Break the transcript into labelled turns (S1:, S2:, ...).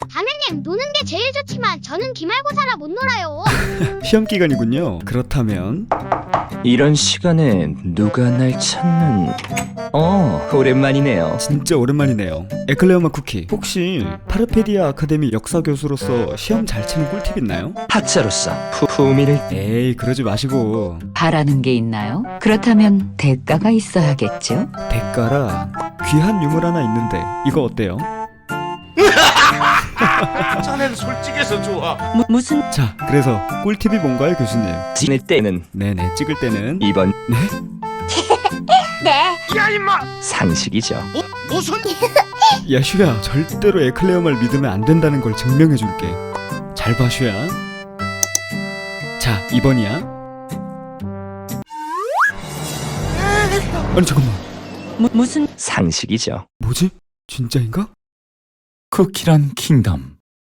S1: 담임님, 노는 게 제일 좋지만 저는 기말고사라 못 놀아요.
S2: 시험 기간이군요. 그렇다면
S3: 이런 시간에 누가 날 찾는... 오랜만이네요.
S2: 진짜 오랜만이네요. 에클레어 맛 쿠키, 혹시 파르페디아 아카데미 역사 교수로서 시험 잘 치는 꿀팁 있나요?
S3: 학자로서 품위를...
S2: 에이, 그러지 마시고.
S4: 바라는 게 있나요? 그렇다면 대가가 있어야겠죠?
S2: 대가라 귀한 유물 하나 있는데 이거 어때요?
S5: 자넨 솔직해서 좋아.
S4: 무슨...
S2: 자, 그래서 꿀팁이 뭔가요, 교수님?
S3: 찍을 때는
S2: 네네, 찍을 때는
S3: 이번
S2: 네?
S1: 네.
S5: 야 임마.
S3: 상식이죠.
S5: 무슨?
S2: 야, 슈야, 절대로 에클레어 말 믿으면 안 된다는 걸 증명해줄게. 잘 봐, 슈야. 자, 2번이야. 아니, 잠깐만.
S4: 무슨...
S3: 상식이죠.
S2: 뭐지? 진짜인가?
S6: 쿠키란 킹덤.